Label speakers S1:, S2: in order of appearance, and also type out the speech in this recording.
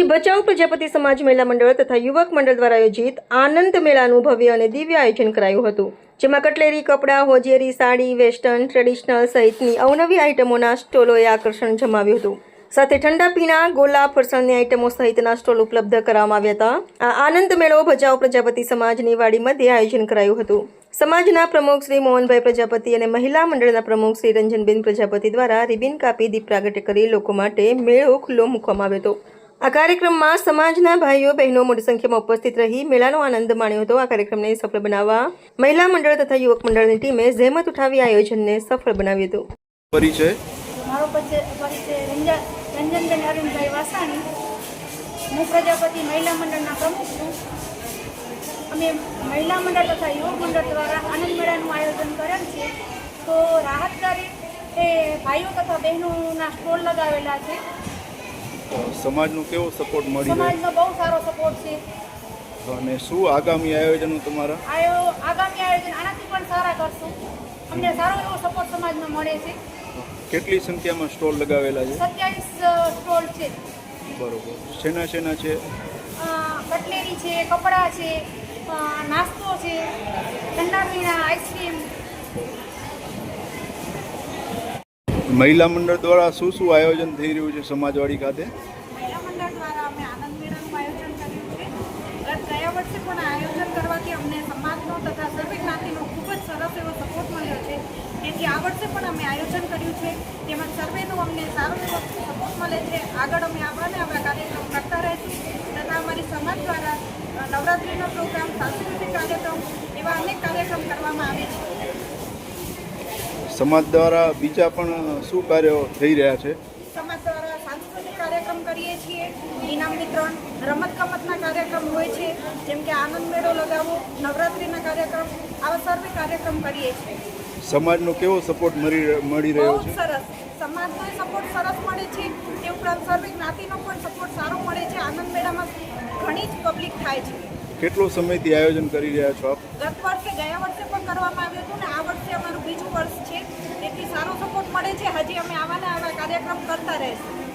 S1: ભચાઉ પ્રજાપતિ સમાજ મહિલા મંડળ તથા યુવક મંડળ દ્વારા આયોજિત આનંદ મેળાનું ભવ્ય અને દિવ્ય આયોજન કરાયું હતું, જેમાં કટલેરી, કપડાં, હોજિયરી, સાડી, વેસ્ટર્ન, ટ્રેડિશનલ સહિતની અવનવી આઇટમોના સ્ટોલોએ આકર્ષણ જમાવ્યું હતું. સાથે ઠંડા પીણા, ગોલા, ફરસાણની આઇટમો સહિતના સ્ટોલ ઉપલબ્ધ કરાવવામાં આવ્યા હતા. આ આનંદ મેળો ભચાઉ પ્રજાપતિ સમાજની વાડી મધ્યે આયોજન કરાયું હતું. સમાજના પ્રમુખ શ્રી મોહનભાઈ પ્રજાપતિ અને મહિલા મંડળના પ્રમુખ શ્રી રંજનબેન પ્રજાપતિ દ્વારા રિબિન કાપી દીપ પ્રાગટ્ય કરી લોકો માટે મેળો ખુલ્લો મૂકવામાં આવ્યો હતો. આ કાર્યક્રમમાં સમાજના ભાઈઓ બહેનો મોટી સંખ્યામાં ઉપસ્થિત રહી મેળાનો આનંદ માણ્યો હતો. આ કાર્યક્રમને સફળ બનાવવા મહિલા મંડળ તથા યુવક મંડળની ટીમે જહેમત ઉઠાવી આયોજનને સફળ બનાવ્યું હતું.
S2: પરિચય
S3: મારો પરિચય રંજનબેન અરવિંદભાઈ વાસાણી. હું પ્રજાપતિ મહિલા મંડળના પ્રમુખ છું. અમે મહિલા મંડળ તથા યુવક મંડળ દ્વારા આનંદ મેળાનું આયોજન કરેલ છે. તો રાહત દરે એ ભાઈઓ તથા બહેનોના સ્ટોલ લગાવેલા છે.
S2: સમાજનો કેવો સપોર્ટ મળી રહ્યો?
S3: સમાજનો બહુ સારો સપોર્ટ છે.
S2: અને શું આગામી આયોજનો તમારા?
S3: આગામી આયોજન આનાથી પણ સારા કરશું. અમને સારો એવો સપોર્ટ સમાજમાં મળે છે.
S2: કેટલી સંખ્યામાં સ્ટોલ લગાવેલા છે?
S3: 27 સ્ટોલ છે.
S2: બરોબર. શેના છે?
S3: કટલેરી છે, કપડાં છે, નાસ્તો છે, ઠંડા પીણા, આઈસ્ક્રીમ.
S2: મહિલા મંડળ દ્વારા શું આયોજન થઈ રહ્યું છે સમાજવાડી ખાતે?
S3: મહિલા મંડળ દ્વારા અમે આનંદ મેળાનું આયોજન કર્યું છે. ગયા વર્ષે પણ આયોજન કરવાથી અમને સમાજનો તથા સર્વે જ્ઞાતિનો ખૂબ જ સરસ એવો સપોર્ટ મળ્યો છે. તેથી આ વર્ષે પણ અમે આયોજન કર્યું છે. તેમાં સર્વેનો અમને સારો એવો સપોર્ટ મળે છે. આગળ અમે આવા કાર્યક્રમ કરતા રહીશું તથા અમારી સમાજ દ્વારા નવરાત્રિનો પ્રોગ્રામ, સાંસ્કૃતિક કાર્યક્રમ એવા અનેક કાર્યક્રમ કરવામાં આવે છે.
S2: સમાજ દ્વારા બીજા પણ શું કાર્યો થઈ રહ્યા છે?
S3: સમાજ દ્વારા સાંસ્કૃતિક કાર્યક્રમ કરીએ છીએ. ઇનામ વિતરણ, રમતગમતના કાર્યક્રમ હોય છે, જેમ કે આનંદ મેળો લગાવો, નવરાત્રિના કાર્યક્રમ, આવા સર્વે કાર્યક્રમ કરીએ છીએ.
S2: સમાજનો કેવો સપોર્ટ મળી રહ્યો
S3: બહુ
S2: છે?
S3: સરસ. સમાજનો સપોર્ટ સરસ મળે છે. તે ઉપરાંત સર્વે જ્ઞાતિનો પણ સપોર્ટ સારો મળે છે. આનંદ મેળામાં ઘણી જ પબ્લિક થાય છે.
S2: કેટલો સમયથી આયોજન કરી રહ્યા છો આપ?
S3: ગયા વર્ષે પણ કરવામાં આવ્યું હતું ને આ વર્ષે અમારું બીજું વર્ષ છે. તેથી સારો સપોર્ટ મળે છે. હજી અમે આવા કાર્યક્રમ કરતા રહીશું.